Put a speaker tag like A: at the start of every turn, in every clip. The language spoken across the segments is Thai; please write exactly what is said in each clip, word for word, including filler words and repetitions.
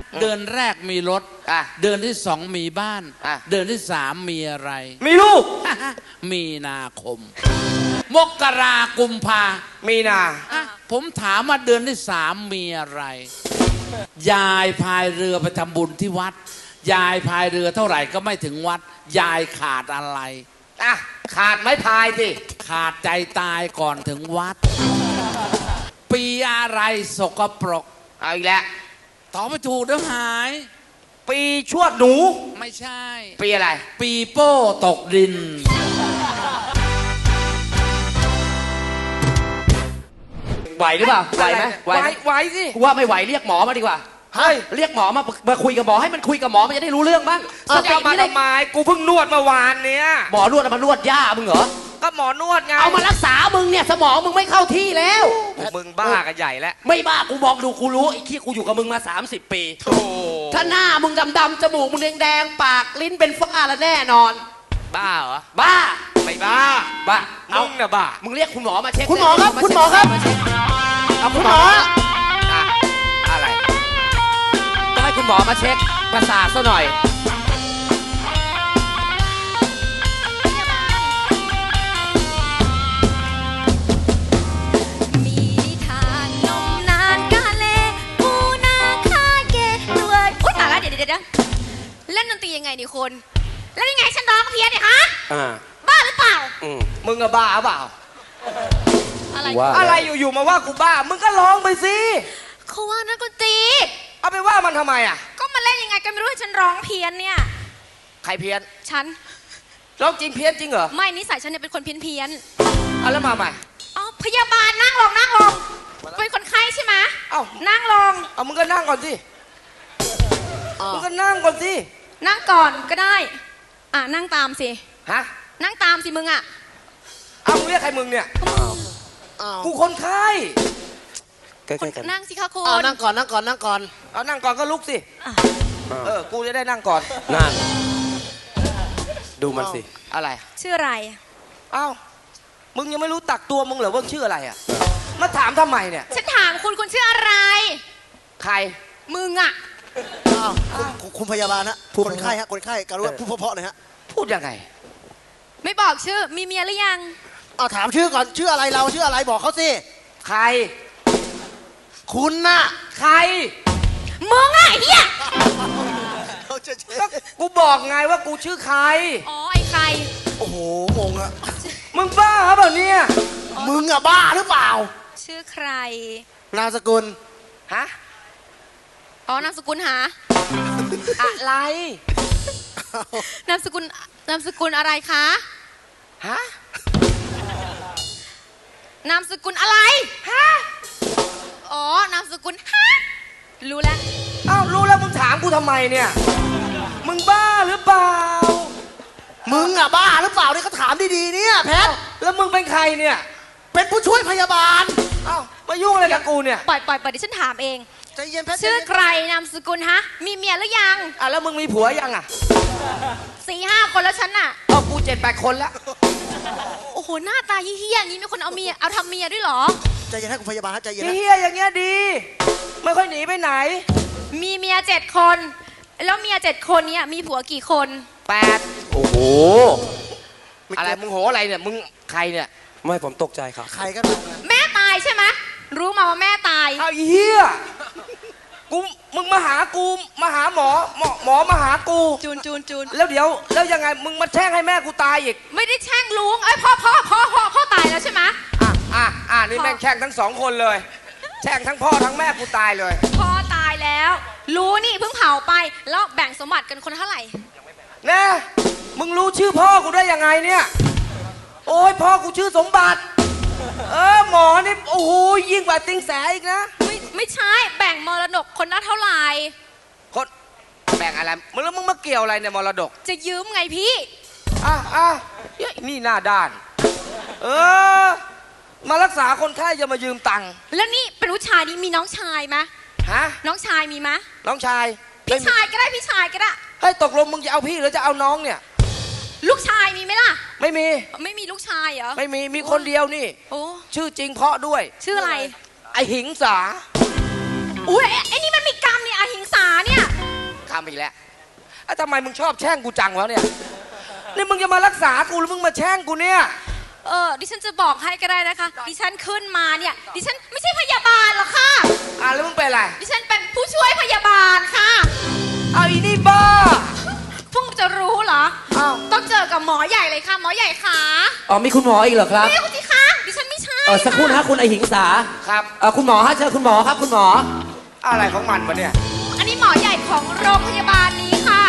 A: เดือนแรกมีรถ
B: อ่ะ
A: เดือนที่สองมีบ้าน
B: อ่ะ
A: เดือนที่สามมีอะไร
B: มีลูก
A: มีนาคม มกรากุมภา
B: มีนา
A: อ่ะผมถามว่าเดือนที่สามมีอะไร ยายพายเรือไปทำบุญที่วัด ยายพายเรือเท่าไหร่ก็ไม่ถึงวัด ยายขาดอะไร
B: อ่ะขาดไม้พายสิ
A: ขาดใจตายก่อนถึงวัด ปีอะไรสกปรก
B: เอาอีกแล้ว
A: ตอบไม่ถูกเดี๋ยวหาย
B: ปีชวดหนู
A: ไม่ใช่
B: ปีอะไร
A: ปีโป้ตกดิน
C: ไหวหรือเปล่าไหวไหม
B: ไหว
C: ไหม
B: ไหวสิ
C: กูว่าไม่ไหวเรียกหมอมาดีกว่า
B: เฮ้ย
C: เรียกหมอมามาคุยกับหมอให้มันคุยกับหมอมันจะได้รู้เรื่องบ้าง
B: เออ
C: สติ
B: จะมา
C: ไม่ได้
B: ทำไมกูเพิ่งนวดเมื่อวานเนี้ย
C: หมอนวดเอามานวดย่ามึงเหรอ
B: ก็หมอนวดไง
C: เอามารักษามึงเนี่ยสมองมึงไม่เข้าที่แล้ว
B: มึงบ้ากันใหญ่แล้ว
C: ไม่บ้ากูมองดูกูรู้ไอ้ขี้กูอยู่กับมึงมาสามสิบปี
B: โธ่
C: ถ้าหน้ามึงดำๆจมูกมึงแดงๆปากลิ้นเป็นฝ้าแล้วแน่นอน
B: บ้าเหรอ
C: บ้า
B: ไม่บ้า
C: บ้า
B: มึงน่ะบ้า
C: มึงเรียกคุณหมอมาเช็ค
D: คุณหมอครับ
C: เช็
D: คุณหมอครับ
C: าเช็เอาคุณหมอ
B: อ่ะอะไร
C: ต้องให้คุณหมอมาเช็คประสาทซะหน่อย
E: มีนิทานนมนานกาเลปูนาคาเกตัวอุ๊ยตายแล้วเดี๋ยวเดี๋ยวเดี๋ยวเล่นดนตรียังไงนี่คุณแล้วยังไงฉันร้องเพี้ยนเนี่ยฮะ
C: อ่า
E: บ้าหรือเปล่า
C: อืม
B: มึงอะบ้าเปล่า
E: อะไร
C: ว่า
B: อะไรอยู่ๆมาว่ากูบ้า มึงก็ร้องไปสิ
E: เขาว่านักดนตรี
B: เอาไปว่ามันทำไมอ่ะ
E: ก็มาเล่นยังไงก็ไม่รู้ให้ฉันร้องเพี้ยนเนี่ย
B: ใครเพี้ยน
E: ฉัน
B: ร้องจริงเพี้ยนจริงเหรอ
E: ไม่นิสัยฉันเนี่ยเป็นคนเพี้ยนเพี้ยน
B: เอาแล้วมาใหม่
E: ๆอ๋อพยาบาลนั่งลงนั่งลงเป็นคนไข้ใช่ไหม
B: เอ้า
E: นั่งลง
B: เอามึงก็นั่งก่อนสิมึงก็นั่งก่อนสิ
E: นั่งก่อนก็ได้อ่ะนั่งตามสิ
B: ฮะ
E: นั่งตามสิมึงอ่ะ
B: เอามึงเรียกใครมึงเนี่ย
D: อ้าว
B: กูคนไข้
C: ใกล้ๆกัน
E: นั่งสิคะคุ
D: อ้าว
E: ณ
D: นั่งก่อนนั่งก่อนนั่งก่อน
B: เอานั่งก่อนก็ลุกสิ
E: อ่ะ
B: เออ กูจะได้นั่งก่อน
C: นั่งดูมันสิ
B: อะไร
E: ชื่ออะไร
B: เอ้า มึงยังไม่รู้ตักตัวมึงเหรอว่าชื่ออะไรอ่ะ มาถามทำไมเนี่ย
E: ฉันถามคุณคุณชื่ออะไร
B: ใคร
E: มึงอ่ะ
D: อ้าวคุณคุณคุณพยาบาลฮะคนไข้ฮะคนไข้การุณาพูดเพราะๆหน่อยฮะ
B: พูดยังไง
E: ไม่บอกชื่อ มีเมียหรือยัง
D: เอาถามชื่อก่อนชื่ออะไรเราชื่ออะไรบอกเขาสิ
B: ใคร
D: คุณน่ะ
B: ใคร
E: มึงอ่ะไอ้เฮีย
D: เขาจะเช็
B: ก็กูบอกไงว่ากูชื่อใคร
E: อ๋อไอ้ใคร
D: โอ้โหงงอะ
B: มึงบ้าเปล่าเนี่ย
D: มึงอะบ้าหรือเปล่า
E: ชื่อใคร
D: นามสกุล
B: ฮะ
E: อ๋อนามสกุลหา
B: อะไร
E: นามสกุลนามสกุลอะไรคะ
B: ฮะ
E: นามสกุลอะไรฮะอ๋อนามสกุลฮะรู้แล้ว
B: เอ้ารู้แล้วมึงถามกูทำไมเนี่ย มึงบ้าหรือเปล่า
D: มึงอะบ้าหรือเปล่าเนี่ยเขาถามดีๆเนี่ยแพท
B: แล้วมึงเป็นใครเนี่ย
D: เป็นผู้ช่วยพยาบาล
B: เอ้ามายุ่งอะไรกับกูเนี่ย
E: ปล่อยปล่อยปล่อยดิฉันถามเอง
D: ใจเย็นแพท
E: ชื่อใครนามสกุลฮะ มีเมียหรือยัง
B: อ่ะแล้วมึงมีผัวยังอ่ะ
E: สี่ห้าคนแล้วฉันน่ะ
B: เอากูเจ็ดแปดคนแล้ว
E: โอ้โหหน้าตาเฮี้ยๆอย่างนี้มีคนเอาเมียเอาทำเมียด้วยเหรอ
D: ใจเย็นให้คุณพยาบาลฮะใจเย็นนะ
B: เฮียอย่างเงี้ยดี ไม่ค่อยหนีไปไหน
E: มีเมียเจ็ดคน แล้วเมียเจ็ดคนเนี้ยมีผัวกี่คน
B: แปด
C: โอ้โห
B: อะไรมึงโหอะไรเนี่ย มึงใครเนี่ย
C: ไม่ผมตกใจครับ
D: ใครก็ได้
E: แม่ตายใช่ไหมรู้มาว่าแม่ตาย
B: เอาอีเฮียกู มึงมาหากู มาหาหมอ หมอหมอมาหากู
E: จูนจูนจูน
B: แล้วเดี๋ยว แล้วยังไง มึงมาแช่งให้แม่กูตายอีก
E: ไม่ได้แช่งลุงเอ้ยพ่อพ่อพ่อพ่อพ่อตายแล้วใช่ไหม
B: อ่ะ อ่ะ อ่ะ นี่
E: พ่อ
B: แม่งแช่งทั้งสองคนเลย แช่งทั้งพ่อทั้งแม่กูตายเลย
E: พ่อตายแล้ว รู้นี่เพิ่งเผาไปแล้วแบ่งสมบัติกันคนละเท่าไหร่
B: แน่มึงรู้ชื่อพ่อกูได้ยังไงเนี่ย โอ้ยพ่อกูชื่อสมบัติ เออหมอนี่โอ้โหยิ่งกว่าติงแสอีกนะ
E: ไม่ไม่ใช่แบ่งมรดกคนละเท่าไหร่
B: คนแบ่งอะไรมึงแล้วมึงมาเกี่ยวอะไรเนี่ยมรดก
E: จะยืมไงพี่
B: อ่ะอ่ะเฮ้ยนี่หน้าด้าน เออ มารักษาคนไข้จะมายืมตังค์
E: แล้วนี่เป็นผู้ชายนี่มีน้องชายไหม
B: ฮะ
E: น้องชายมีไหม
B: น้องชาย
E: พี่ชายก็ได้พี่ชายก็ได้
B: เฮ้ยตกลงมึงจะเอาพี่หรือจะเอาน้องเนี่ย
E: ลูกชายมีไหมล่ะ
B: ไม่มี
E: ไม่มีลูกชายเหรอ
B: ไม่มี มีคนเดียวนี่
E: โอ้
B: ชื่อจริงเพราะด้วย
E: ชื่ออะไร
B: ไอหิงสา
E: อุ้ยไอ้ไอ้นี่มันมีกรรมเนี่ยอหิงสาเนี่ย
B: อีกแล้วอ่ะทำไมมึงชอบแช่งกูจังวะเนี่ยนี่มึงจะมารักษากูหรือมึงมาแช่งกูเนี่ย
E: เออดิฉันจะบอกให้ก็ได้นะคะ ดิฉันขึ้นมาเนี่ย ดิฉันไม่ใช่พยาบาลหรอกค่ะ
B: อ่ะแล้วมึงเป็นอะไร
E: ดิฉันเป็นผู้ช่วยพยาบาลค่ะ
B: เอาอีนี่บ้า
E: เพิ่งจะรู้เหรอ
B: อ้าว
E: ต้องเจอกับหมอใหญ่เลยค่ะ หมอใหญ่ขา
C: อ๋อมีคุณหมออีกเหรอครับ
E: ไม่คุณสิคะดิฉันไม่ใช่
C: เออสักครู่นะฮะคุณไอหิงสา
B: ครับ
C: เออคุณหมอฮะเชิญคุณหมอครับคุณหมอ
B: อะไรของมันวะเนี่ย
E: อันนี้หมอใหญ่ของโรงพยาบาลนี้ค่ะ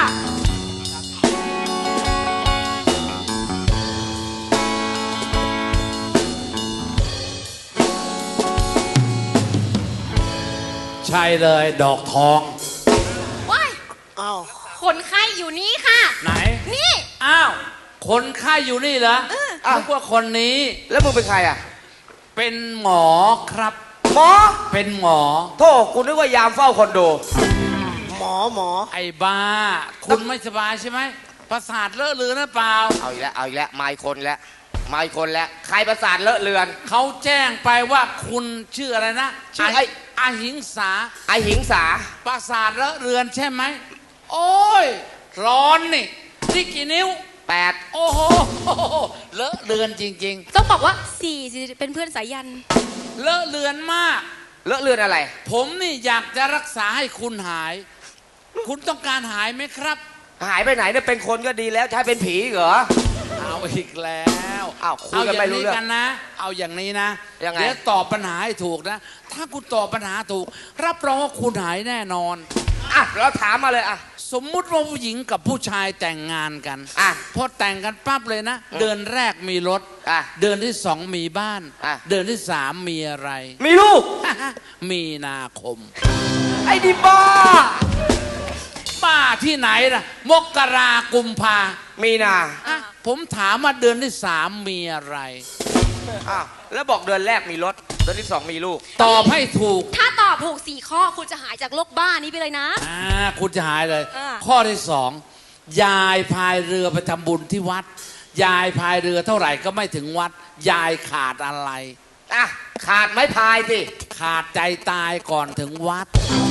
A: ใช่เลยดอกทอง
E: ว้าย
D: อ้าว
E: คนไข้อยู่นี่ค่ะ
A: ไหน
E: นี่
A: อ้าว คนไข้อยู่นี่เหรอ
B: อ้าว
A: นึกว่าคนนี้
B: แล้วมึงเป็นใครอ่ะ
A: เป็นหมอครับ
B: หมอ
A: เป็นหมอ
B: โทษกูนึกว่ายามเฝ้าคอนโด
D: หมอหมอ
A: ไอ้บ้า คุณไม่สบายใช่ไหมประสาทเลอะเลือนหรือเปล่า
B: เอาอีกแล้วเอาอีกแล้วมาอีกคนแล้วมาอีกคนแล้วใครประสาทเลอะเลือน
A: เขาแจ้งไปว่าคุณชื่ออะไรนะ
B: ชื่อไอ้
A: อาหิงสา
B: ไอหิงสา
A: ประสาทเลอะเรือนใช่ไหม โอ้ย ร้อนนี่ นี่กี่นิ้ว
B: แปด
A: โอ้โห เลอะเรือนจริง
E: ต้องบอกว่าสี่สิเป็นเพื่อนสายัน
A: ๆ เลอะเรือนมาก
B: เลอะเลือนอะไร
A: ผมนี่อยากจะรักษาให้คุณหาย คุณต้องการหายไหมครับ
B: หายไปไหนเนี่ยเป็นคนก็ดีแล้วใช้เป็นผีเหรอ
A: เอาอีกแล้ว
B: อ้าวคุย
A: เอา
B: กัน
A: อย่า
B: ไม่
A: ง
B: รู้
A: นี้
B: เรื่อง
A: กันนะ เอาอย่างนี้นะ
B: ยังไง
A: เดี๋ยวตอบปัญหาให้ถูกนะ ถ้าคุณตอบปัญหาถูก รับรองว่าคุณหายแน่นอน
B: อ่ะเราถามมาเลยอ่ะ
A: สมมุติว่าผู้หญิงกับผู้ชายแต่งงานกัน
B: อ่ะ
A: พอแต่งกันปั๊บเลยนะ
B: อืม
A: เดือนแรกมีรถ
B: อ่ะ
A: เดือนที่สองมีบ้าน
B: อ่ะ
A: เดือนที่สามมีอะไร
B: มีลูก
A: มีนาคม
B: ไอ้ดิบ้า
A: บ้าที่ไหนล่ะ มกรากุมภา
B: มีนา
A: อ่ะผมถามว่าเดือนที่สามมีอะไร
B: อ้าวแล้วบอกเดือนแรกมีรถเดือนที่สองมีลูก
A: ตอบให้ถูก
E: ถ้าตอบถูกสี่ข้อคุณจะหายจากโรคบ้านี้ไปเลยนะ
A: อ่าคุณจะหายเลย
E: อ่า
A: ข้อที่สองยายพายเรือไปทำบุญที่วัด ยายพายเรือเท่าไหร่ก็ไม่ถึงวัด ยายขาดอะไร
B: อ่ะขาดไม้พายสิ
A: ขาดใจตายก่อนถึงวัด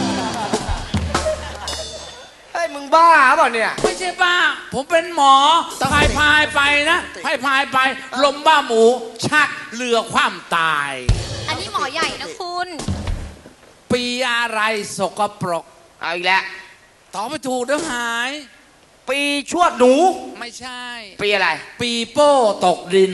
B: เฮ้ยมึงบ้าเปล่าเนี่ย
A: ไม่ใช่บ้า ผมเป็นหมอพายพายไปนะพายพายไป ลมบ้าหมู ชักเรือคว่ำตาย
E: อันนี้หมอใหญ่นะคุณ
A: ปีอะไรสกปรก
B: เอาอีกแล้ว
A: ตอบไม่ถูกเดี๋ยวหาย
B: ปีชวดหนู
A: ไม่ใช่
B: ปีอะไร
A: ปีโป้ตกดิน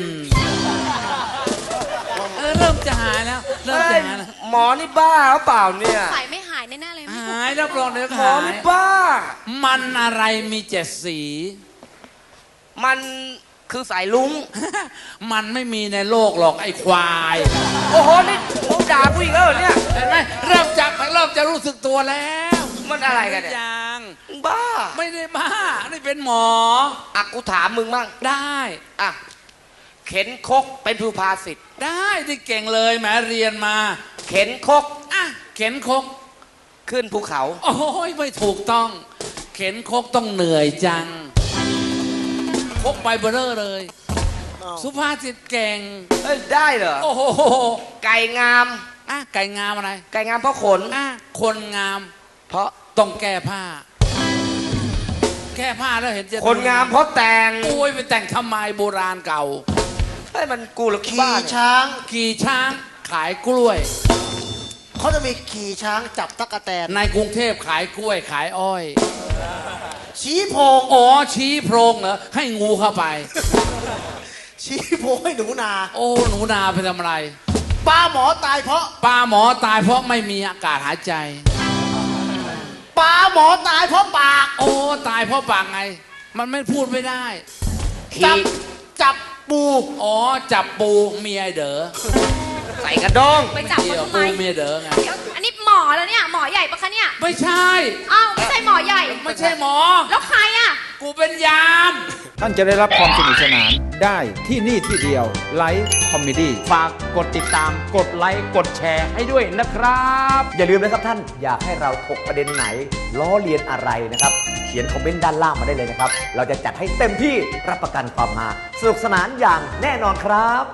A: เออเริ่มจะหายแล้ว เริ่ม
B: เฮ้
A: จะ
B: ย
A: หายแล้ว
B: หมอนี่บ้าหรือเปล่าเนี่ย
E: ใส่ไม่หายแน่ๆเลย
A: หายรับรองเดี๋ยว
B: หมอ
A: หาย
B: นี่บ้า
A: มันอะไรมีเจ็ดสี
B: มันคือสายลุง
A: มันไม่มีในโลกหรอกไอ้ควาย
B: โอ้โห นี่มึงด่ากูอีกแล้วเหรอเนี่ย
A: เห็นไหมเริ่มจะเริ่มจะรู้สึกตัวแล้ว
B: มันอะไรกันเนี่ย
A: ยัง
B: มึงบ้า
A: ไม่ได้บ้า นี่เป็นหมอ
B: อ่ะกูถามมึงมั่ง
A: ได้
B: อ่ะ เข็นคกเป็นสุภาษิต
A: ได้ที่เก่งเลยแหมเรียนมา
B: เข็นคก
A: อ่ะเข็นคก
B: ขึ้นภูเขา
A: โอ้ยไม่ถูกต้อง เข็นคกต้องเหนื่อยจัง คกไปเบอร์เรอเลย
D: อ้าว
A: สุภาษิตเก่ง
B: เอ้ย ได้เหรอ
A: โอ้โห
B: ไก่งาม
A: อ่ะไก่งามอะไร
B: ไก่งามเพราะขน
A: อ่ะคนงาม
B: เพราะ
A: ต้องแก้ผ้า แก้ผ้าแล้วเห็นจะ
B: คนงามเพราะแต่ง
A: โอ้ยไปแต่งทำไมโบราณเก่า
B: เฮ้ยมันกูหรือ
D: ขี่
B: บ้าเนี่ย
D: ช้าง
A: ขี่ช้างขายกล้วย
D: เขาจะมีขี่ช้างจับตั๊กแตน
A: ในกรุงเทพขายกล้วยขายอ้อย
D: ชี้โพง
A: อ๋อชี้โพรงเหรอให้งูเข้าไป
D: ชี้โพงให้หนูนา
A: โอ้หนูนาไปทำอะไร
D: ปลาหมอตายเพราะ
A: ปลาหมอตายเพราะไม่มีอากาศหายใจ
D: ปลาหมอตายเพราะปาก
A: โอ้ตายเพราะปากไง มันไม่พูดไม่ได้
D: จับ
B: ขี่
D: จับปู
A: อ๋อจับปูเมียเด๋อ
B: ใส่กระด้ง
E: ไปจับ
A: เกี่
E: เขา
A: ยว
E: ทำไม
A: ปูเมียเด๋อไง
E: เดี๋ยวอันนี้หมอแล้วเนี่ย หมอใหญ่ปะคะเนี่ย
A: ไม่ใช่
E: อ้าวไม่ใช่หมอใหญ่
A: ไม่ใช่หมอ
E: แล้วใครอ่ะ
A: กูเป็นยาม
F: ท่านจะได้รับความสนุกสนานได้ที่นี่ที่เดียวไลฟ์คอมเมดี้ฝากกดติดตามกดไลค์กดแชร์ให้ด้วยนะครับ
G: อย่าลืมนะครับท่านอยากให้เราถกประเด็นไหน ล้อเลียนอะไรนะครับ เขียนคอมเมนต์ด้านล่างมาได้เลยนะครับ เราจะจัดให้เต็มที่รับประกันความมาสนุกสนานอย่างแน่นอนครับ